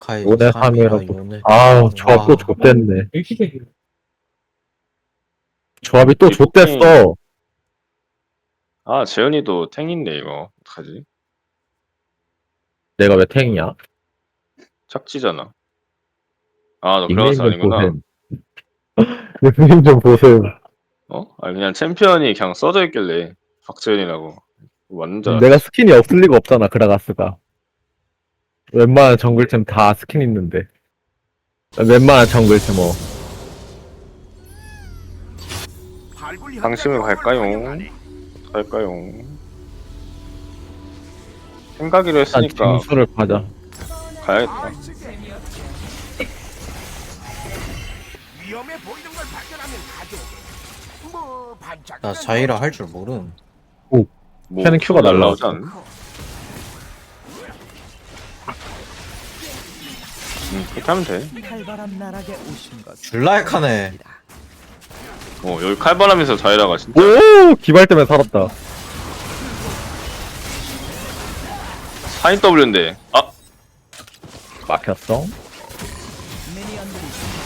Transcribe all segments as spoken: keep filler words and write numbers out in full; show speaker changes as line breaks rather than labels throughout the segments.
카이
요네
삼이야
삼이라고.
요네.
아우, 조합 또
와.
좆됐네. 조합이 또
리포킹.
좆됐어.
아, 재현이도 탱인데 이거 어떡하지?
내가 왜 탱이야?
착지잖아. 아, 너
닉네임
그라가스
좀
아니구나.
보셈. 닉네임 좀 보셈.
어? 아니 그냥 챔피언이 그냥 써져 있길래 박재현이라고. 맞는 줄
내가
알았지.
스킨이 없을 리가 없잖아, 그라가스가. 웬만한 정글템 다 스킨 있는데. 웬만한 정글템 뭐.
방심을 갈까요? 갈까요? 생각이로
일단
했으니까
징수를 가자.
가야겠다.
위험해 보이는 걸 발견하면 가져오게. 뭐 반짝.
나 자이라 할 줄 모름.
뭐
쟤는 큐가 날라오지.
않? 응, 그렇게 하면 돼.
칼바람 나락에 오신 것.
줄라약하네.
어, 여기 칼바람에서 자이라가 진짜.
오! 기발 때문에 살았다.
사인 W인데. 아,
막혔어?
미니언들이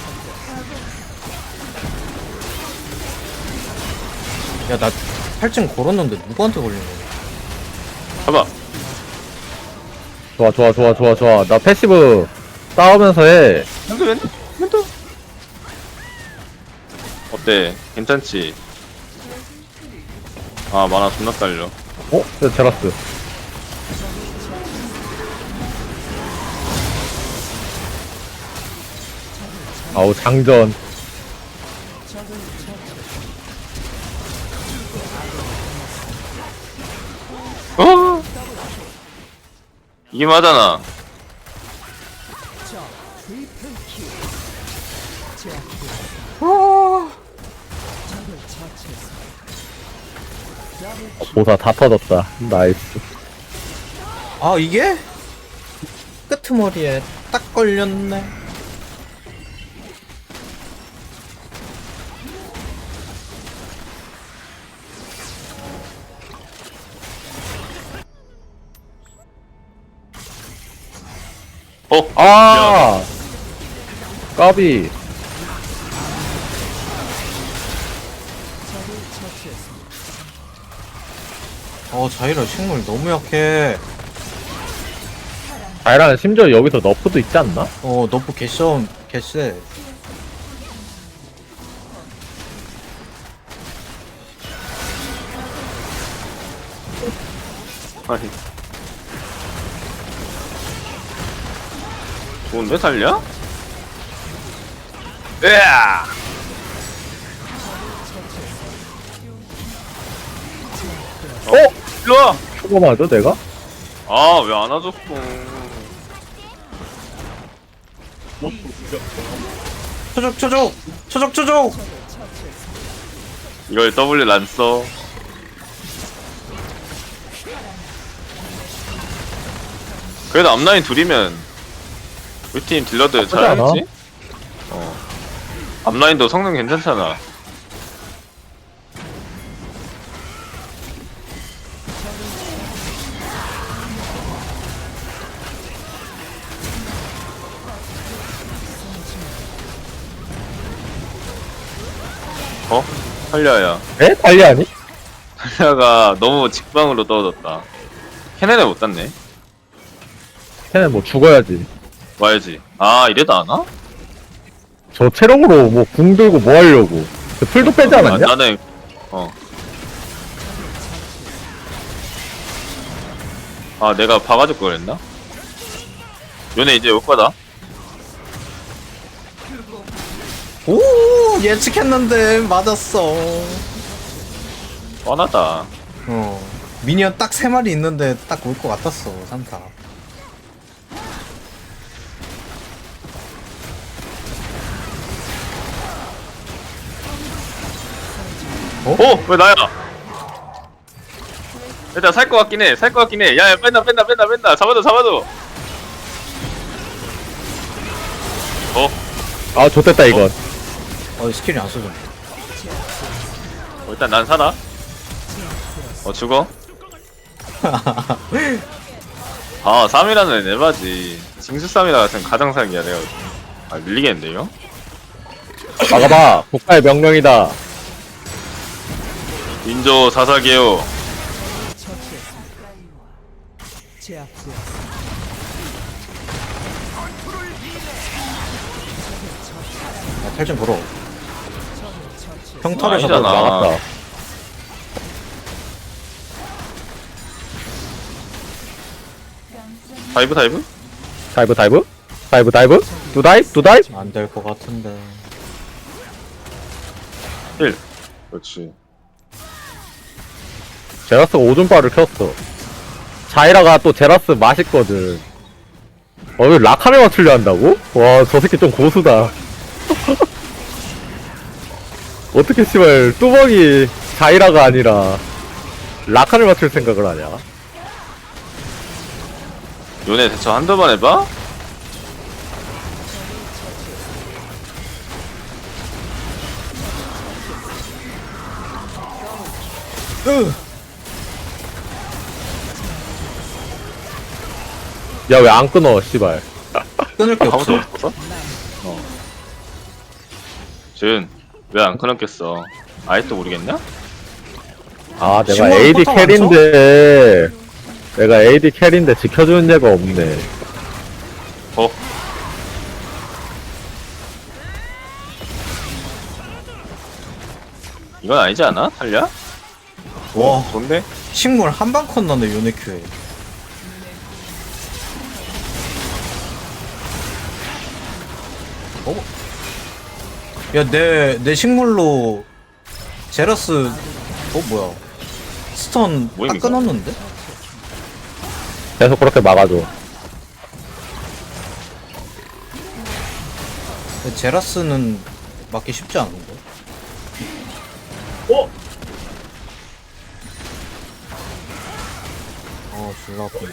야 나 팔 층 걸었는데 누구한테 걸린 거야?
봐봐.
좋아, 좋아, 좋아, 좋아, 좋아. 나 패시브 싸우면서 해.
멘트, 멘트, 멘트. 어때? 괜찮지? 아, 만화 존나 딸려.
어? 야, 제라스. 아우, 장전.
어? 이게 맞잖아.
보사 다 터졌다. 나이스.
아 이게? 끄트머리에 딱 걸렸네.
어?
아! 까비.
어 자이라 식물 너무 약해.
자이라는 심지어 여기서 너프도 있지 않나?
어 너프 개썸 개쎄.
아니. 좋은데 살려? 으아! 어? 일로와!
초보 맞아, 내가?
아, 왜 안 와줬어?
초적 초적 초적 초적.
이걸 W 안 써. 그래도 앞라인 둘이면 우리 팀 딜러들
나쁘지 않아.
잘하겠지? 어. 앞라인도 성능 괜찮잖아. 어? 탈리아야.
에? 달리 아니?
탈리아가 너무 직방으로 떨어졌다. 캐넨을 못 땄네.
걔는 뭐 죽어야지.
와야지. 아, 이래도 안 와?
저 체력으로 뭐 궁 들고 뭐 하려고. 그 풀도 빼지
아,
않았냐?
나는 어. 아, 내가 봐가지고 그랬나? 요네 이제 올 거다.
오 예측했는데 맞았어.
뻔하다.
어 미니언 딱 세 마리 있는데 딱 올 것 같았어 산타.
어? 왜 나야? 일단 살 것 같긴 해. 살 것 같긴 해. 야, 야, 뺀다, 뺀다, 뺀다, 뺀다. 잡아줘, 잡아줘. 어?
아, 좋됐다, 이건.
어 스킬이 안 써져.
어, 일단 난 살아. 어, 죽어. 아 삼 이라는 에바지. 징수 삼이라 같은 가장상이야 내가. 아 밀리겠는데요?
막아봐. 국가의 명령이다.
인조 사사게요.
처치했습니다. 제압되었습니다.
야, 탈진 걸어.
처치.
평탈에서
아니잖아.
막았다.
다이브 다이브?
다이브 다이브? 다이브 다이브? 두 다이브? 두 다이브?
안될 것 같은데.
힐. 그렇지.
제라스가 오줌바를 켰어. 자이라가 또 제라스 맛있거든. 어, 왜 라칸을 맞추려 한다고? 와, 저 새끼 좀 고수다. 어떻게 씨발 뚜벅이 자이라가 아니라 라칸을 맞출 생각을 하냐?
요네 대처 한두 번 해봐?
으!
야, 왜 안 끊어, 씨발.
끊을 게
하고
없어.
없었어? 어. 준, 왜 안 끊었겠어? 아직도 모르겠냐?
아, 내가
신문
에이디
포탑 안
캐리인데, 내가 에이디 캐리인데 지켜주는 애가 없네.
어? 이건 아니지 않아? 탈리야?
와,
좋은데?
식물 한방 컷 나네, 요네큐에. 어? 야, 내, 내 식물로 제라스, 어, 뭐야. 스턴 딱
뭐임, 이거?
끊었는데?
계속 그렇게 막아줘.
근데 제라스는 맞기 쉽지 않은데? 어, 졸라 아프네.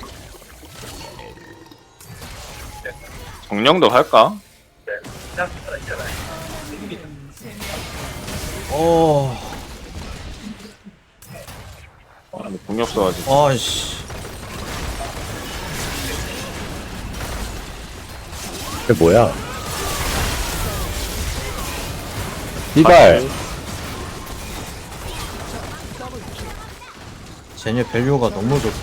정령도 할까?
어,
아, 근데 공이 없어가지고.
아이씨.
이게 뭐야? 씨발.
쟤네 밸류가 너무 좋다.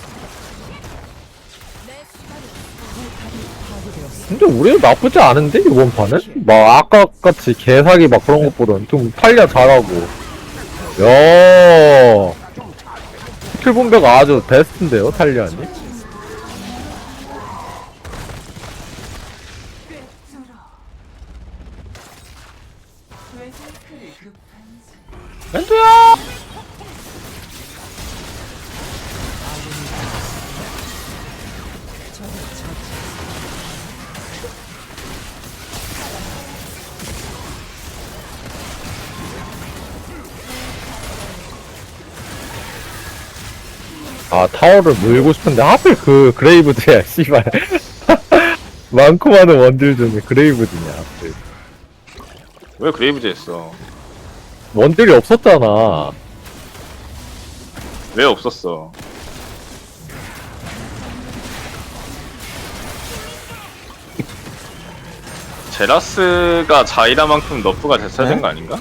근데 우리는 나쁘지 않은데, 이번 판은? 막, 아까같이 개사기 막 그런 것보단 좀 탈리아 잘하고. 야 스킬 분배가 아주 베스트인데요, 탈리아니? 멘토야! 아, 타워를 물고 싶은데 하필 그 그레이브즈야, 씨발. 많고 많은 원딜 중에 그레이브즈냐, 하필.
왜 그레이브즈 했어?
원딜이 없었잖아.
왜 없었어? 제라스가 자이라만큼 너프가 됐어야
네?
된 거 아닌가?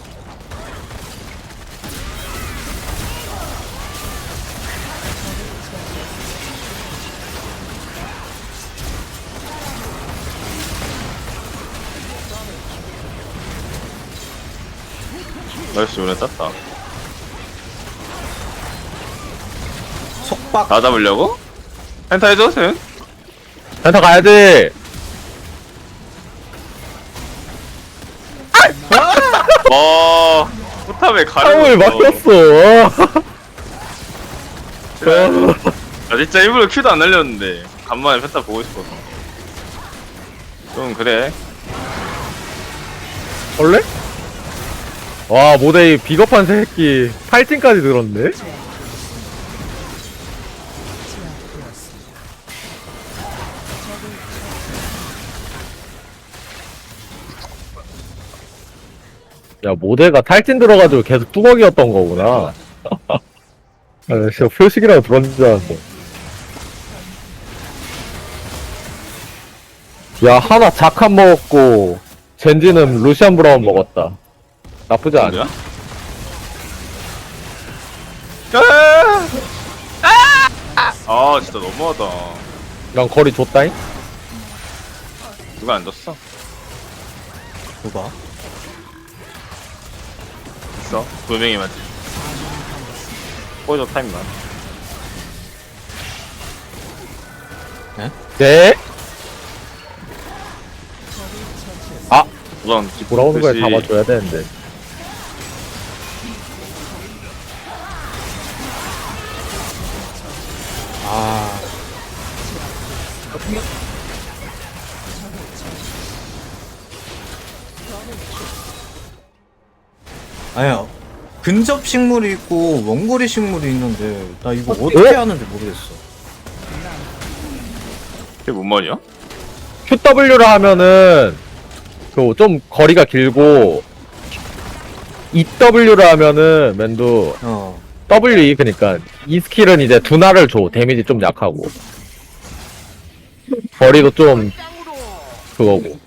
나이스, 요네 땄다.
속박.
나 잡으려고? 펜타 해줘, 센?
센터 가야지!
와, 포탑에
타워를
가려졌어.
막혔어.
나 진짜 일부러 큐도 안 날렸는데 간만에 펜타 보고 싶어서. 좀 그래.
원래? 와, 모데이 비겁한 새끼. 팔진까지 들었네? 야, 모데가 탈진 들어가지고 계속 뚜벅이었던 거구나. 아, 진짜 표식이라고 들었는 줄 알았어. 야, 하나 자칸 먹었고, 젠지는 루시안 브라운 먹었다. 나쁘지 않아.
뭐야? 아! 아! 아, 진짜 너무하다.
난 거리 줬다잉?
누가 안 줬어?
누가?
있어? 두 명이 맞지? 포이저 타임만.
네? 아!
우선
돌아오는 거에
듯이
잡아줘야 되는데.
아. 아니야. 근접 식물이 있고 원거리 식물이 있는데 나 이거 어떻게
어?
하는지 모르겠어.
그게 뭔 말이야?
큐더블유를 하면은, 그, 좀 거리가 길고, 이더블유를 하면은, 맨도,
어.
더블유, 그니까, 이 스킬은 이제 두나를 줘. 데미지 좀 약하고. 거리도 좀, 그거고.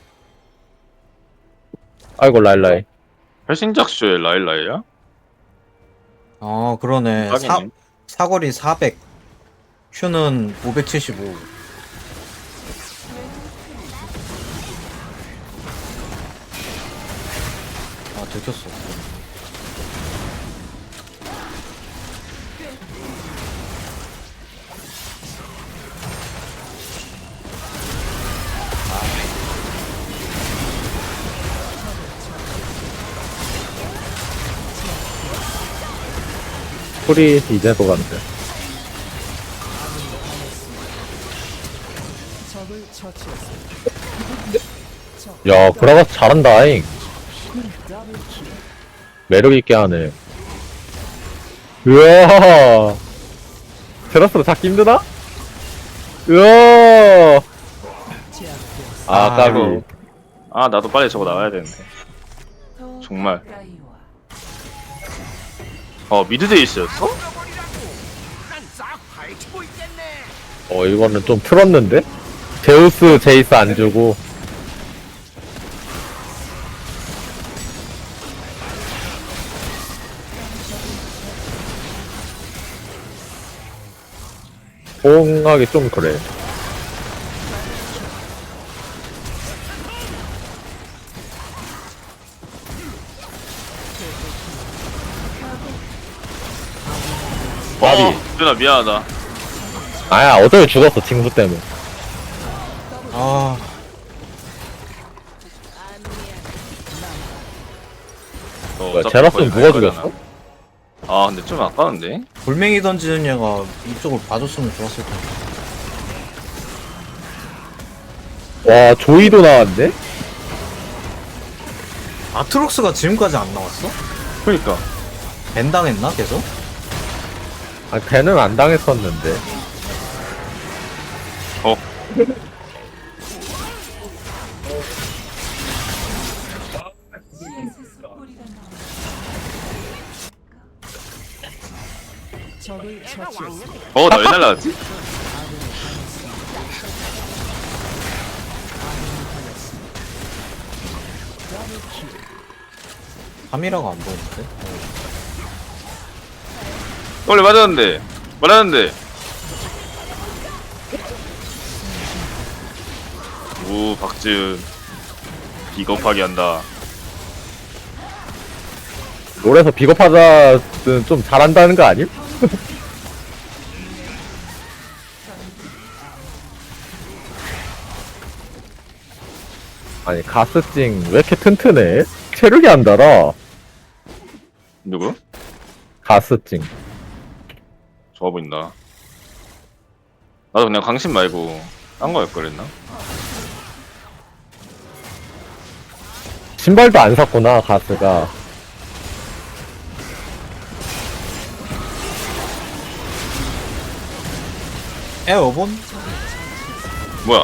아이고, 라일라이.
헬싱작쇼의 라일라이야?
아 그러네. 사,
하긴.
사거리 사백. Q는 오백칠십오. 아 들켰어.
소리 이제 녹았는데.
적을 처치했습니다.
야, 그라가스 잘한다잉.
더블킬.
매력있게 하네. 으아! 테라스로 잡기 힘드나? 으아!
제압되었습니다.
아,
아,
까비.
이거. 아, 나도 빨리 저거 나와야 되는데. 정말. 어, 미드 데이스였어?
난싹 파헤치고 있겠네.
어, 이거는 좀 틀었는데? 제우스, 제이스 안 주고. 호응하기 좀 그래. 나비.
어, 누나 미안하다.
아야, 어차피 죽었어, 징수 때문에.
아
너
뭐야,
어차피
제라스는
거의
누가
갈
죽였어?
거잖아. 아, 근데 좀 아까운데?
돌멩이 던지는 얘가 이쪽을 봐줬으면 좋았을 텐데.
와, 조이도 나왔네?
아트록스가 지금까지 안 나왔어?
그니까.
밴 당했나 계속?
아, 걔는 안 당했었는데.
어.
적을 처치했습니다.
어, 나 왜 날라갔지?
카미라가 안 보이는데?
원래 맞았는데. 맞았는데. 우, 박지은. 비겁하게 한다.
롤에서 비겁하다는 좀 잘한다는 거 아님? 아니, 가스찡 왜 이렇게 튼튼해? 체력이 안 달아.
누구?
가스찡.
좋아 보인다. 나도 그냥 강신 말고 딴 거 할 거랬나?
신발도 안 샀구나, 가스가.
에어본?
뭐야?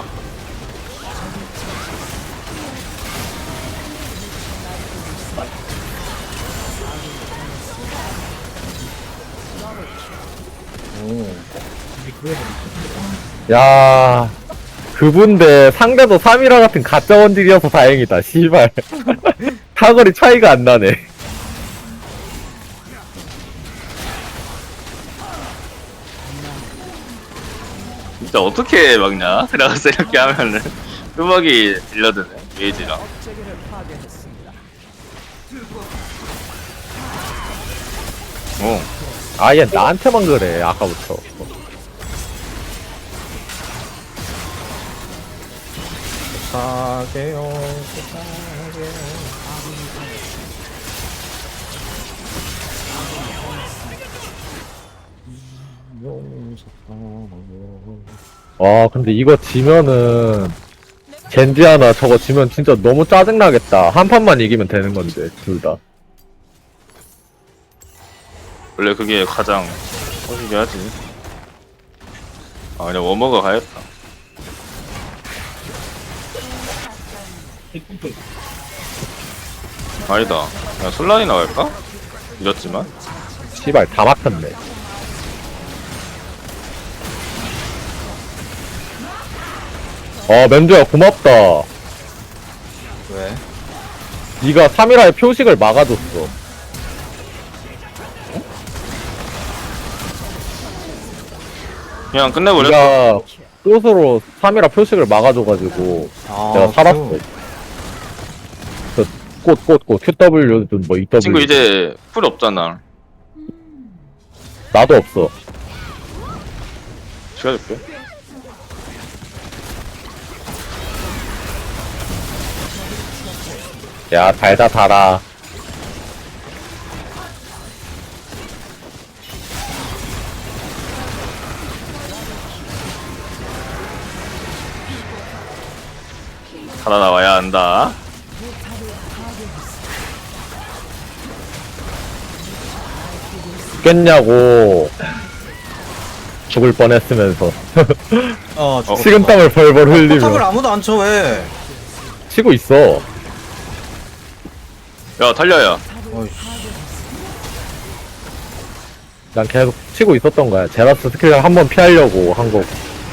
오.
야, 그분데 상대도 삼이라 같은 가짜 원딜이어서 다행이다. 씨발. 사거리 차이가 안 나네.
진짜 어떻게 막냐? 들어가서 이렇게 하면은 뚜벅이 딜러드네 게이지랑.
업체계를 파괴했습니다.
어.
아, 얘 나한테만 그래, 아까부터.
사게요.
와, 근데 이거 지면은, 젠지 하나 저거 지면 진짜 너무 짜증나겠다. 한 판만 이기면 되는 건데, 둘 다.
원래 그게 가장 터지게 하지. 아 그냥 워머가 가야겠다. 아니다. 그냥 솔란이 나갈까? 이렇지만.
씨발, 다 막혔네. 어, 맨주야, 고맙다.
왜?
네가 삼이라의 표식을 막아줬어.
그냥 끝내버렸어.
네가 꽃으로 삼이라 표식을 막아줘가지고
아,
내가 살았어.
그-
그 꽃, 꽃, 꽃, 큐더블유든 뭐 이더블유.
친구 이제 풀 없잖아.
나도 없어.
시켜줄게.
야, 달다 달아.
살아나와야 한다.
죽겠냐고. 죽을 뻔했으면서
어, 저거
식은땀을 벌벌
포탑을
흘리며
아무도 안 쳐, 왜?
치고 있어.
야 달려야.
어이씨.
난 계속 치고 있었던 거야. 제라스 스킬을 한번 피하려고 한 거고.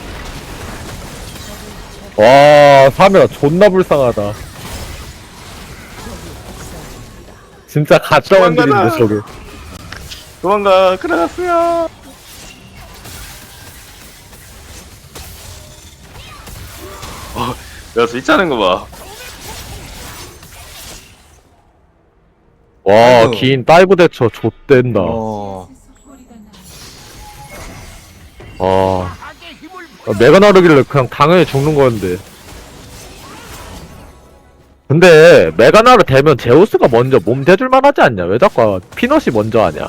와, 삼이라 존나 불쌍하다. 진짜 가짜 원딜인데 저게.
도망가. 크라가스야. 어, 야 스위치 하는 거 봐.
와,
아이고.
긴 다이브 대처 좆된다.
어.
아, 메가 나르길래 그냥 당연히 죽는 거였는데. 근데 메가 나르 되면 제우스가 먼저 몸 대줄만 하지 않냐? 왜 자꾸 피넛이 먼저 하냐?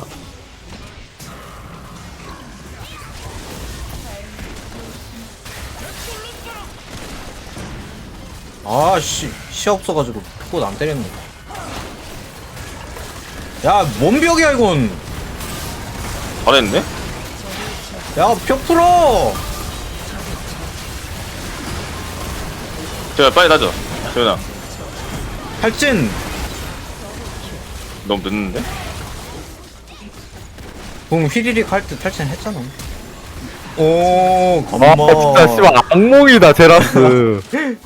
아, 씨. 시 없어가지고 꽃 안 때렸네. 야, 뭔 벽이야, 이건.
잘했네.
야, 벽 풀어!
제가 빨리 가죠. 재현아.
탈진!
너무 늦는데?
공 휘리릭 할 때 탈진 했잖아. 오,
아,
겁마.
진짜 씨발 악몽이다, 제라스.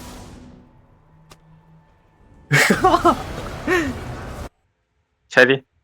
체리.